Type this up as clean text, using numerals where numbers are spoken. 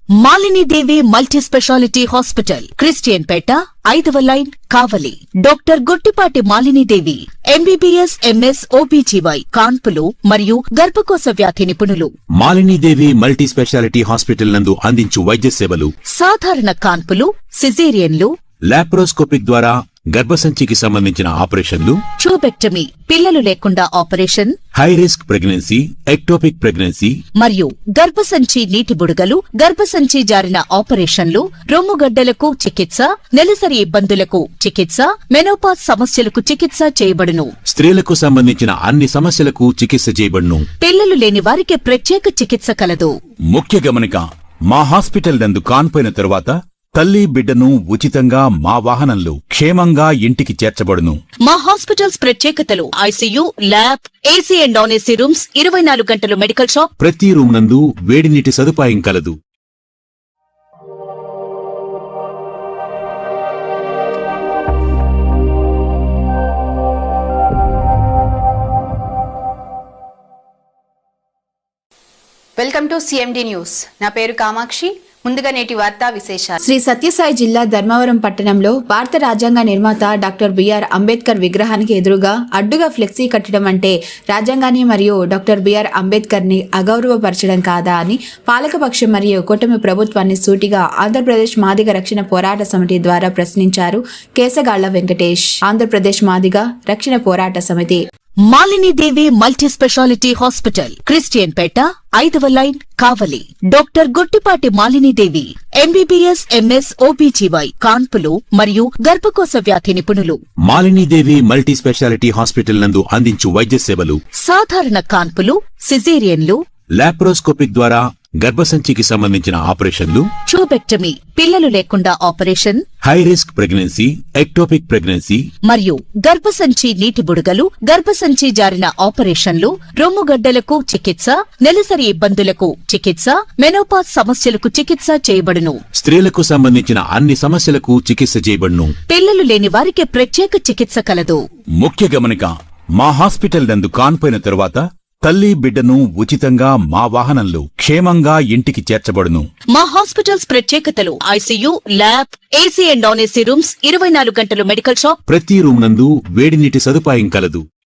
Malini Devi multi speciality hospital, Christian Peta, 5వ line, Kavali. Doctor Guttipati Malini Devi, MBBS, MS, OBGY, కాన్పులు మరియు గర్భకోశ వ్యాధి నిపుణులు. Malini Devi multi speciality hospital నందు అందించు వైద్య సేవలు: సాధారణ కాన్పులు, సిజేరియన్లు, లాప్రోస్కోపిక్ ద్వారా గర్భసంచికి సంబంధించిన ఆపరేషన్లు, ట్యూబెక్టమీ, పిల్లలు లేకుండా operation, high risk pregnancy, ectopic pregnancy మరియు గర్భసంచి నీటి బుడగలు, గర్భసంచి జారిన ఆపరేషన్లు, రొమ్ముగడ్డలకు చికిత్స, నెలసరి ఇబ్బందులకు చికిత్స, మెనోపాజ్ సమస్యలకు చికిత్స చేయబడును. స్త్రీలకు సంబంధించిన అన్ని సమస్యలకు చికిత్స చేయబడును. పిల్లలు లేని వారికి ప్రత్యేక చికిత్స కలదు. ముఖ్య గమనిక: మా హాస్పిటల్ నందు కాన్పోయిన తరువాత తల్లి బిడ్డను ఉచితంగా మా వాహనంలో క్షేమంగా ఇంటికి చేర్చబడును. మా హాస్పిటల్స్ ప్రత్యేకతలు: ICU, lab, AC and non AC rooms, 24 గంటలు మెడికల్ షాప్, ప్రతి రూమ్ నందు వేడి నీటి సదుపాయం కలదు. Welcome to CMD news. నా పేరు కామాక్షి. ముందుగా నేటి వార్తా విశేషాలు. శ్రీ సత్యసాయి జిల్లా ధర్మవరం పట్టణంలో భారత రాజ్యాంగ నిర్మాత డాక్టర్ బిఆర్ అంబేద్కర్ విగ్రహానికి ఎదురుగా అడ్డుగా ఫ్లెక్సీ కట్టడం అంటే రాజ్యాంగాన్ని మరియు డాక్టర్ బిఆర్ అంబేద్కర్ ని అగౌరవపరచడం కాదా అని పాలకపక్షం మరియు కూటమి ప్రభుత్వాన్ని సూటిగా ఆంధ్రప్రదేశ్ మాదిగ రక్షణ పోరాట సమితి ద్వారా ప్రశ్నించారు కేసగాళ్ల Venkatesh. Andhra Pradesh Madiga Rakshana Porata Samiti. Malini Devi multi speciality hospital, Christian Peta, 5వ line, Kavali. Doctor Guttipati Malini Devi, MBBS, MS, OBGY, కాన్పులు మరియు గర్భకోశ వ్యాధి నిపుణులు. Malini Devi multi speciality hospital నందు అందించు వైద్య సేవలు: సాధారణ కాన్పులు, సిజేరియన్లు, లాప్రోస్కోపిక్ ద్వారా గర్భసంచికి సంబంధించిన ఆపరేషన్లు, ట్యూబెక్టమీ, పిల్లలు లేకుండా operation, high risk pregnancy, ectopic pregnancy మరియు గర్భసంచి నీటి బుడగలు, గర్భసంచి జారిన ఆపరేషన్లు, రొమ్ముగడ్డలకు చికిత్స, నెలసరి ఇబ్బందులకు చికిత్స, మెనోపాజ్ సమస్యలకు చికిత్స చేయబడును. స్త్రీలకు సంబంధించిన అన్ని సమస్యలకు చికిత్స చేయబడును. పిల్లలు లేని వారికి ప్రత్యేక చికిత్స కలదు. ముఖ్య గమనిక: మా హాస్పిటల్ నందు కాన్పోయిన తరువాత తల్లి బిడ్డను ఉచితంగా మా వాహనంలో క్షేమంగా ఇంటికి చేర్చబడును. మా హాస్పిటల్స్ ప్రత్యేకతలు: ICU, lab, AC and non AC rooms, 24 గంటలు మెడికల్ షాప్, ప్రతి రూమ్ నందు వేడి నీటి సదుపాయం కలదు.